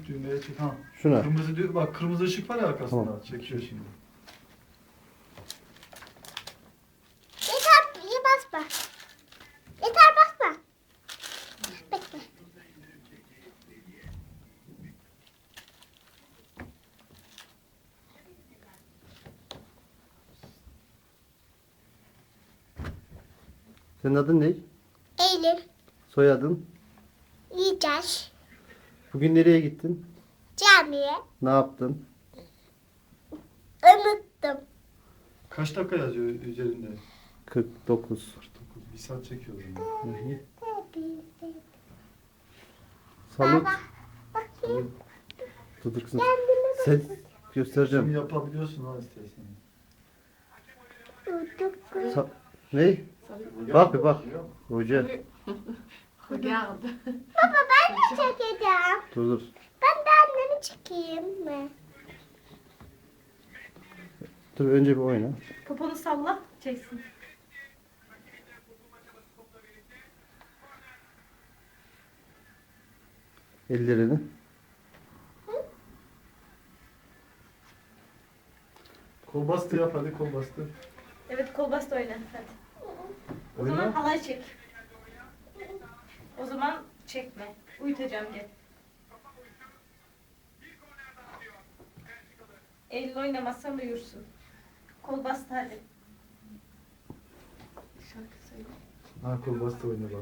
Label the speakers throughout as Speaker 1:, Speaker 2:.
Speaker 1: Düğmeye çek. Ha.
Speaker 2: Şuna.
Speaker 1: Kırmızı bak kırmızı ışık var ya arkasında.
Speaker 2: Tamam.
Speaker 1: Çekiyor şimdi.
Speaker 3: Yeter iyi basma. Yeter basma. Bekle.
Speaker 2: Senin adın ne?
Speaker 3: Eylül.
Speaker 2: Soyadın?
Speaker 3: Yiyeceğiz.
Speaker 2: Bugün nereye gittin?
Speaker 3: Camiye.
Speaker 2: Ne yaptın?
Speaker 3: Unuttum.
Speaker 1: Kaç dakika yazıyor üzerinde?
Speaker 2: 49.
Speaker 1: 49. Bir saat çekiyor o zaman.
Speaker 2: Hı hı. Salut.
Speaker 3: Baba. Bakayım.
Speaker 2: Dur kızım.
Speaker 3: Kendimi
Speaker 2: Ses
Speaker 1: Şimdi
Speaker 2: göstereceğim.
Speaker 1: yapabiliyorsun ha istersen.
Speaker 3: unuttum.
Speaker 2: Ne? Bak bir bak. Hoca.
Speaker 4: Regarde.
Speaker 3: Baba ben de çekeceğim.
Speaker 2: Dur.
Speaker 3: Ben de annemi çekeyim mi?
Speaker 2: Dur önce bir oyna.
Speaker 4: Poponu salla, çeksin.
Speaker 2: Ellerini.
Speaker 1: Kol bastı yap hadi kol bastı.
Speaker 4: Evet, kol bastı oyna. Hadi. O zaman
Speaker 1: Oyna.
Speaker 4: halay çek. O zaman çekme. Uyutacağım gel. Eylül oynamazsan uyursun. Kol bastı hadi. Şarkı söyle.
Speaker 1: Ha kol bastı oyna bak.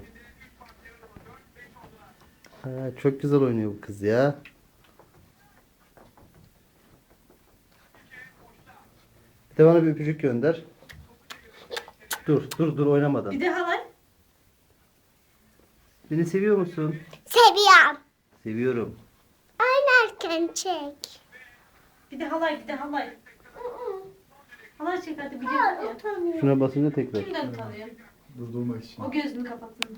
Speaker 2: Ha, çok güzel oynuyor bu kız ya. Bir de bana bir öpücük gönder. Dur oynamadan.
Speaker 4: Bir de halay.
Speaker 2: Beni seviyor musun?
Speaker 3: Seviyorum.
Speaker 2: Seviyorum.
Speaker 3: Oynarken çek.
Speaker 4: Bir de halay, bir de halay. Halay çek hadi biliyorsun ya.
Speaker 3: Utanıyorum.
Speaker 2: Şuna basınca tekrar.
Speaker 4: Kimden utanıyor?
Speaker 1: Durdurmak için.
Speaker 4: O gözünü kapattın.